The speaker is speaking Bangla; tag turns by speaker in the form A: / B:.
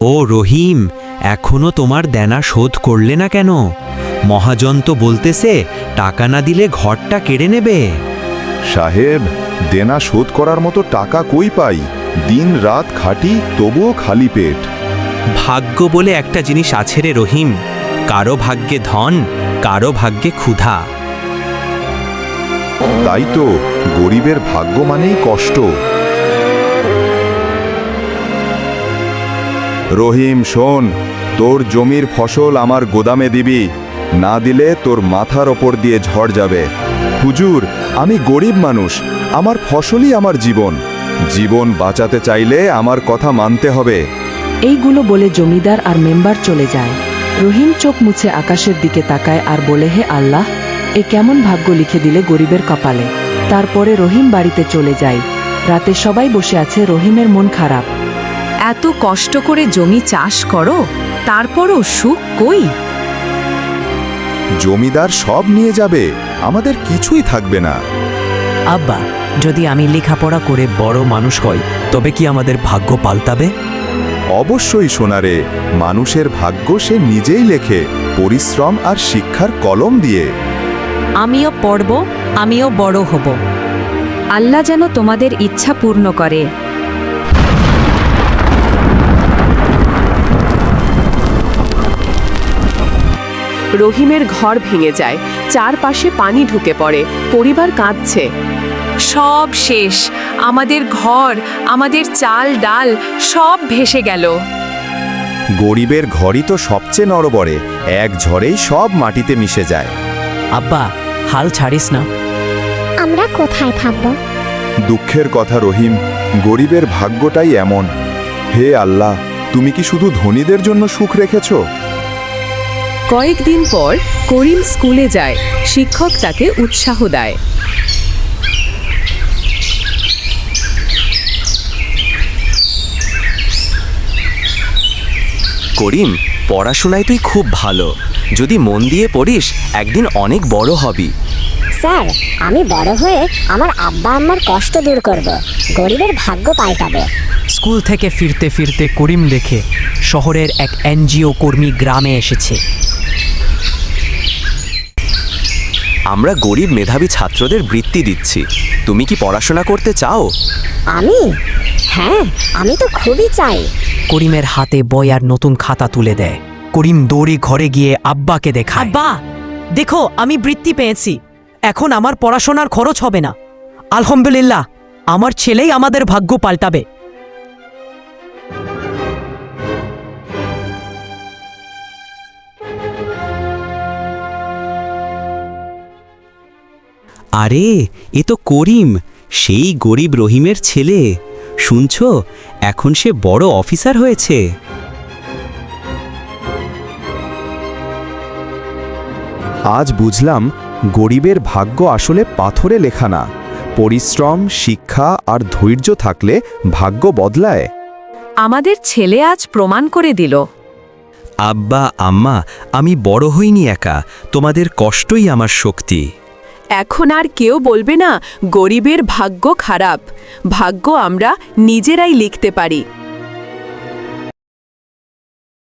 A: ও রহিম, এখনো তোমার দেনা শোধ করলে না কেন? মহাজন তো বলতেছে টাকা না দিলে ঘরটা কেড়ে নেবে।
B: সাহেব, দেনা শোধ করার মতো টাকা কই পাই? দিন রাত খাটি, তবুও খালি পেট।
A: ভাগ্য বলে একটা জিনিস আছে রে রহিম, কারো ভাগ্যে ধন, কারো ভাগ্যে ক্ষুধা।
B: তাই তো, গরিবের ভাগ্য মানেই কষ্ট। রহিম শোন, তোর জমির ফসল আমার গোদামে দিবি, না দিলে তোর মাথার ওপর দিয়ে ঝড় যাবে। হুজুর, আমি গরিব মানুষ, আমার ফসলই আমার জীবন। জীবন বাঁচাতে চাইলে আমার কথা মানতে হবে।
C: এইগুলো বলে জমিদার আর মেম্বার চলে যায়। রহিম চোখ মুছে আকাশের দিকে তাকায় আর বলে, হে আল্লাহ, এ কেমন ভাগ্য লিখে দিলে গরিবের কপালে। তারপরে রহিম বাড়িতে চলে যায়। রাতে সবাই বসে আছে, রহিমের মন খারাপ।
D: এত কষ্ট করে জমি চাষ করো, তারপরও সুখ কই?
B: জমিদার সব নিয়ে যাবে, আমাদের কিছুই থাকবে না।
E: আব্বা, যদি আমি লেখাপড়া করে বড় মানুষ হই, তবে কি আমাদের ভাগ্য পাল্টাবে?
B: অবশ্যই সোনারে, মানুষের ভাগ্য সে নিজেই লেখে, পরিশ্রম আর শিক্ষার কলম দিয়ে।
D: আমিও পড়ব, আমিও বড় হব।
F: আল্লাহ যেন তোমাদের ইচ্ছা পূর্ণ করে।
G: রহিমের ঘর ভেঙে যায়, চারপাশে পানি ঢুকে পড়ে, পরিবার কাঁদছে।
D: সব শেষ, আমাদের ঘর, আমাদের চাল ডাল সব ভেসে গেল।
B: গরিবের ঘরই তো সবচেয়ে নড়বড়ে, এক ঝড়েই সব মাটিতে মিশে যায়।
E: আব্বা, হাল ছাড়িস না।
H: আমরা কোথায় থাকব?
B: দুঃখের কথা রহিম, গরিবের ভাগ্যটাই এমন। হে আল্লাহ, তুমি কি শুধু ধনীদের জন্য সুখ রেখেছ?
G: কয়েকদিন পর করিম স্কুলে যায়, শিক্ষক তাকে উৎসাহ দেয়।
A: করিম, পড়াশোনায় তুই খুব ভালো, যদি মন দিয়ে পড়িস একদিন অনেক বড় হবি।
H: স্যার, আমি বড় হয়ে আমার আব্বা আম্মার কষ্ট দূর করব, গরিবের ভাগ্য পাল্টাবো।
E: স্কুল থেকে ফিরতে ফিরতে করিম দেখে শহরের এক এনজিও কর্মী গ্রামে এসেছে।
A: আমরা গরিব মেধাবী ছাত্রদের বৃত্তি দিচ্ছি, তুমি কি পড়াশোনা করতে চাও?
H: আমি? হ্যাঁ, আমি তো খুবই চাই।
E: করিমের হাতে বই আর নতুন খাতা তুলে দেয়। করিম দৌড়ে ঘরে গিয়ে আব্বাকে দেখায়। আব্বা, দেখো, আমি বৃত্তি পেয়েছি, এখন আমার পড়াশোনার খরচ হবে না। আলহামদুলিল্লাহ, আমার ছেলেই আমাদের ভাগ্য পাল্টাবে।
A: আরে, এ তো করিম, সেই গরিব রহিমের ছেলে। শুনছো, এখন সে বড় অফিসার হয়েছে।
B: আজ বুঝলাম, গরিবের ভাগ্য আসলে পাথরে লেখা না, পরিশ্রম, শিক্ষা আর ধৈর্য থাকলে ভাগ্য বদলায়।
D: আমাদের ছেলে আজ প্রমাণ করে দিল।
A: আব্বা আম্মা, আমি বড় হইনি একা, তোমাদের কষ্টই আমার শক্তি।
G: এখন আর কেউ বলবে না গরিবের ভাগ্য খারাপ। ভাগ্য আমরা নিজেরাই লিখতে পারি।